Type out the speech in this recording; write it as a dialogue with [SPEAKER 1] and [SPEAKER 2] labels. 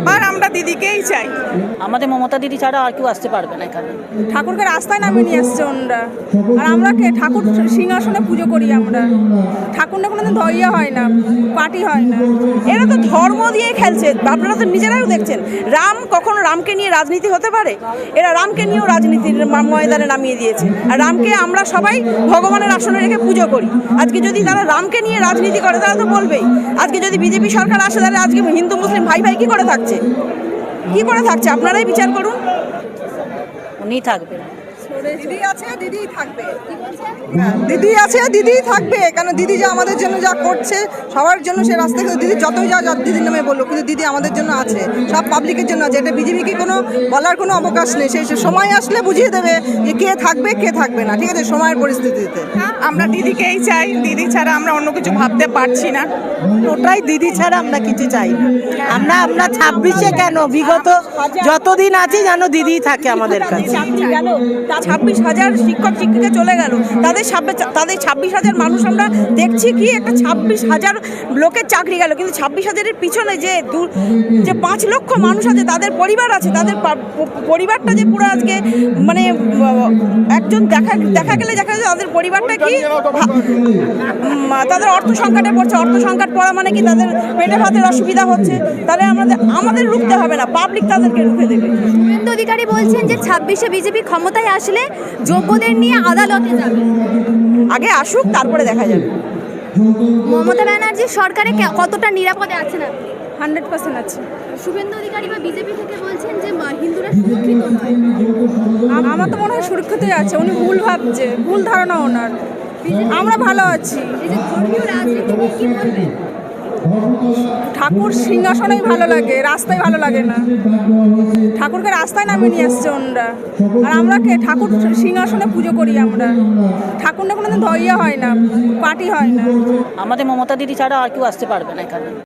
[SPEAKER 1] আবার আমরা দিদিকেই চাই।
[SPEAKER 2] আমাদের মমতা দিদি ছাড়া আর কেউ আসতে পারবে না এখানে।
[SPEAKER 1] ঠাকুরকে রাস্তায় নামিয়ে নিয়ে আসছে ওনরা, আর আমরা কে ঠাকুর সিংহাসনে পুজো করি আমরা। ঠাকুর না কোনোদিন ধৈর্য হয় না, পার্টি হয় না। এরা তো ধর্ম দিয়ে খেলছে, আপনারা তো নিজেরাও দেখছেন। রাম কখনো রামকে নিয়ে রাজনীতি হতে পারে? এরা রামকে নিয়েও রাজনীতির ময়দানে নামিয়ে দিয়েছে। আর রামকে আমরা সবাই ভগবানের আসনে রেখে পুজো করি। আজকে যদি তারা রামকে নিয়ে রাজনীতি করে তারা তো বলবেই। আজকে যদি বিজেপি সরকার আসে তাহলে আজকে হিন্দু মুসলিম ভাই ভাই কী করে থাকছে? কী করে থাকছে আপনারাই বিচার করুন।
[SPEAKER 2] উনিই থাকবে।
[SPEAKER 3] দিদি আছে দিদিই থাকবে, দিদি আছে দিদিই থাকবে। কেন দিদি যা আমাদের জন্য যা করছে সবার জন্য, সে রাস্তা থেকে দিদি যতই যা দিদির নামে বললো, কিন্তু দিদি আমাদের জন্য আছে, সব পাবলিকের জন্য আছে। এটা বিজেপিকে কোনো বলার কোনো অবকাশ নেই। সেই সময় আসলে বুঝিয়ে দেবে যে কে থাকবে কে থাকবে না, ঠিক আছে, সময়ের পরিস্থিতিতে।
[SPEAKER 1] আমরা দিদিকেই চাই, দিদি ছাড়া আমরা অন্য কিছু ভাবতে পারছি না।
[SPEAKER 4] ওটাই, দিদি ছাড়া আমরা কিছু চাই না। আমরা 26-এ কেন, বিগত যতদিন আছি যেন দিদিই থাকে আমাদের কাছে।
[SPEAKER 1] 26,000 শিক্ষক শিক্ষিকা চলে গেল, তাদের 26,000 মানুষ আমরা দেখছি কি একটা 26,000 লোকের চাকরি গেল, কিন্তু 26,000-এর পিছনে যে 5 লক্ষ মানুষ আছে, তাদের পরিবার আছে, তাদের পরিবারটা যে পুরো আজকে মানে একজন দেখা গেলে তাদের পরিবারটা কি, তাদের অর্থ সংকটে পড়ছে। অর্থ সংকট পড়া মানে কি তাদের পেটে ভাতের অসুবিধা হচ্ছে। তাহলে আমাদের রুখতে হবে না, পাবলিক তাদেরকে রুখে দেবে।
[SPEAKER 5] শুভেন্দু অধিকারী বলছেন যে 26-এ বিজেপি ক্ষমতায় আসলে যোগ্যদের নিয়ে আদালতে যাবে।
[SPEAKER 1] আগে আসুক, তারপরে দেখা যাবে।
[SPEAKER 5] মমতা ব্যানার্জি সরকারে কতটা নিরাপদে আছেন আপনি?
[SPEAKER 1] 100% আছে।
[SPEAKER 5] শুভেন্দু অধিকারী বা বিজেপি থেকে বলছেন যে হিন্দুরা সুরক্ষিত নয়।
[SPEAKER 1] আমার তো মনে হয় সুরক্ষিতই আছে। উনি ভুল ভাবছে, ভুল ধারণা ওনার। আমরা ভালো আছি।
[SPEAKER 5] এই যে ধর্মীয় রাজনীতি নিয়ে কি বলবেন?
[SPEAKER 1] ঠাকুর সিংহাসনেই ভালো লাগে, রাস্তায় ভালো লাগে না। ঠাকুরকে রাস্তায় নামিয়ে নিয়ে আসছে ওনরা, আর আমরা কে ঠাকুর সিংহাসনে পুজো করি আমরা। ঠাকুর না কোনোদিন ধৈর্য হয় না, পার্টি হয় না।
[SPEAKER 2] আমাদের মমতা দিদি ছাড়া আর কেউ আসতে পারবে না এখানে।